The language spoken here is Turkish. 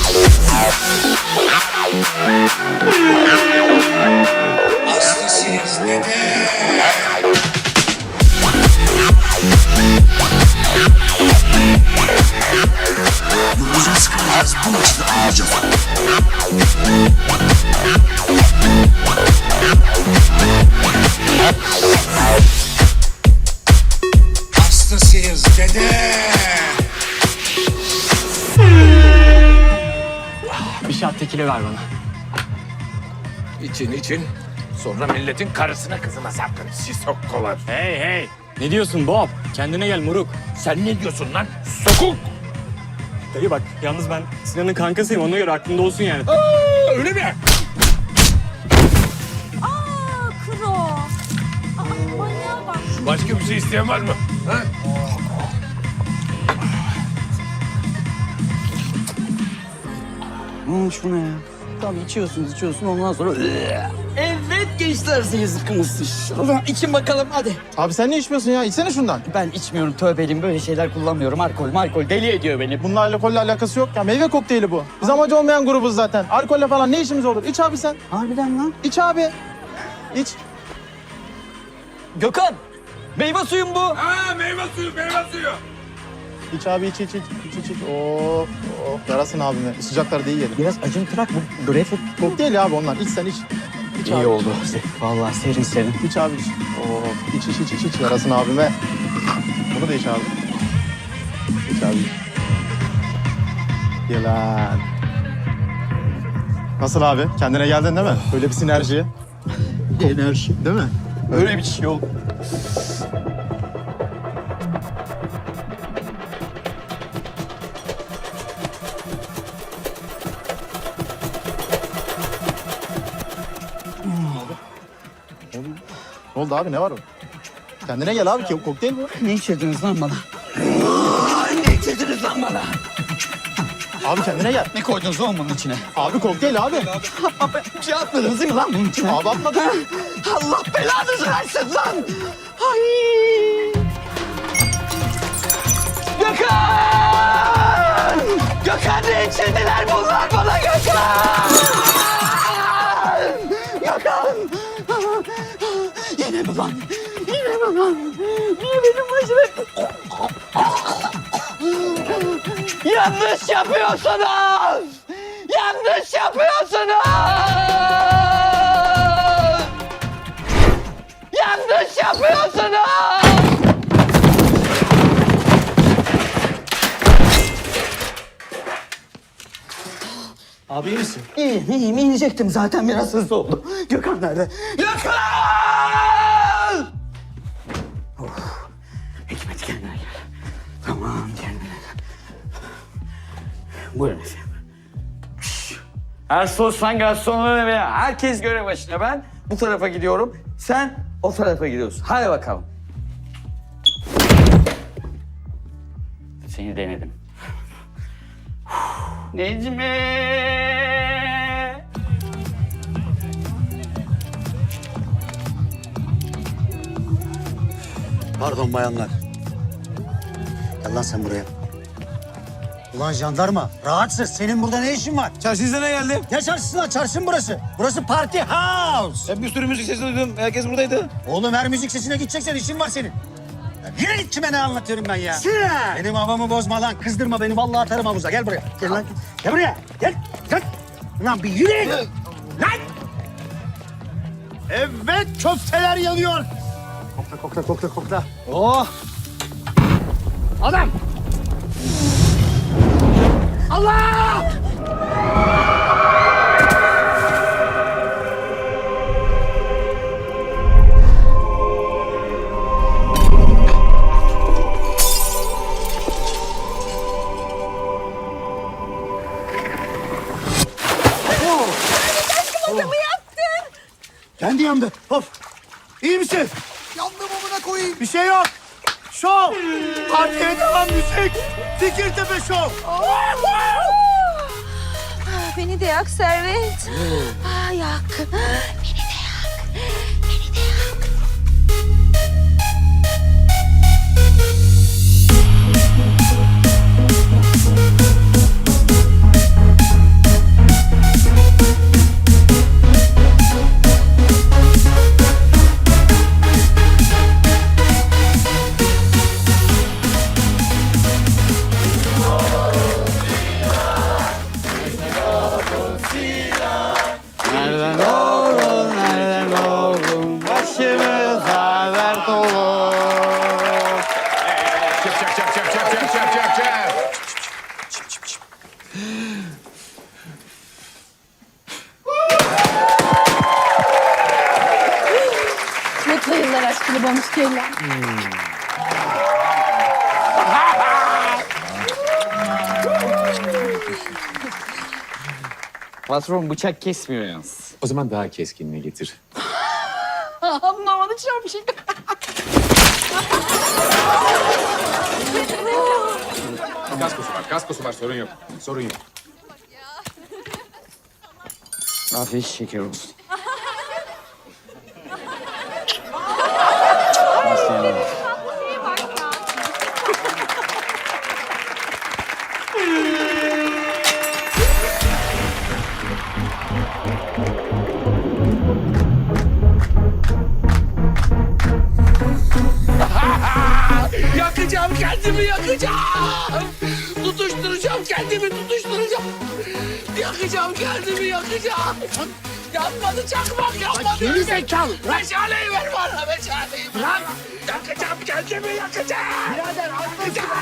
Aslı sizde de. Yolumuza sıkılacağız. Bu maçı da alacağız. Aslı sizde de. Bir şat tekili ver bana. İçin. Sonra milletin karısına kızına sapkın sisokkolar. Hey. Ne diyorsun Bob? Kendine gel moruk. Sen ne diyorsun lan? Sokuk! Dayı bak yalnız ben Sinan'ın kankasıyım ona göre aklında olsun yani. Aa, öyle mi? Kro. Manyağa bak. Başka bir şey isteyen var mı? Ha? Şu ne ya? Tabii içiyorsun ondan sonra... Evet gençler siz zıkkımızsın. Şuradan için bakalım hadi. Abi sen ne içmiyorsun ya? İçsene şundan. Ben içmiyorum tövbeliyim böyle şeyler kullanmıyorum. Alkol deli ediyor beni. Bununla alkolle alakası yok ya. Meyve kokteyli bu. Biz amacı olmayan grubuz zaten. Alkolle falan ne işimiz olur? İç abi sen. Harbiden lan. İç abi. İç. Gökhan! Meyve suyum bu. Ha, meyve suyu. İç abi iç. Oh. Yarasın abime. Sıcaklarda iyi gelir. Biraz acımtırak bu greyfurt. Kokteyl abi onlar. İç sen iç. İç İyi abi. oldu. Vallahi serin. İç abi iç. İç. Yarasın abime. Bunu da iç abi. İç abi. Yalan. Nasıl abi? Kendine geldin değil mi? Böyle bir sinerji. Enerji. Değil mi? Öyle bir şey oldu. Ne oldu abi? Ne var o? Kendine gel abi. Kokteyl bu. Ne içirdiniz lan bana? Ne içirdiniz lan bana? Abi kendine gel. Ne koydunuz oğlum bunun içine? Abi kokteyl abi. Bir şey atmadınız değil mi lan bunun içine? Abi atmadım. Allah belanızı versin lan! Ay! Gökhan! Gökhan ne içirdiler bunlar bana Gökhan! Gökhan! Yine mi lan? Niye benim başıma... Yanlış yapıyorsunuz! Yanlış yapıyorsunuz! Yanlış yapıyorsunuz! Abi iyi misin? İyiyim. İnecektim zaten biraz hızlı oldu. Gökhan nerede? Gökhan! Hikmet kendine gel. Tamam kendine gel. Buyurun efendim. Ersoslan garsonları ve herkes görev başına. Ben bu tarafa gidiyorum. Sen o tarafa gidiyorsun. Hadi bakalım. Seni denedim. Necmi! Pardon bayanlar. Gel lan sen buraya. Ulan jandarma, rahatsız. Senin burada ne işin var? Çarşınıza ne geldi? Ne çarşısı lan? Çarşı mı burası? Burası party house. Ben bir sürü müzik sesi duydum. Herkes buradaydı. Oğlum her müzik sesine gideceksen işin var senin. Ya yine git kime ne anlatıyorum ben ya? Benim havamı bozma lan. Kızdırma beni. Vallahi atarım havuza. Gel buraya. Gel lan. Gel buraya. Gel. Gel. Lan bir yürü. Lan. Evet köfteler yanıyor. Kokla. Oh. Adam. Allah! Kendi yandı. Hop. İyi misin? Yandım amına koyayım. Bir şey yok. Şov. Partiye devam müzik. Fikirtepe şov. Beni de yak Servet. Yak. Beni de yak. Kırbamış şeyler. Patron bıçak kesmiyor yalnız. O zaman daha keskinini getir. Anlamadı çok şey. Kaskosu var sorun yok. Sorun yok. Afiyet şeker olsun. Yakacağım kendimi, yakacağım. Tutuşturacağım kendimi, tutuşturacağım. Yakacağım kendimi, yakacağım. Yanmadı çakmak, yanmadı. Geri zekalı. Meşaleyi ver bana, meşaleyi. Bırak. Yakacağım kendimi, yakacağım. Birader, yakacağım.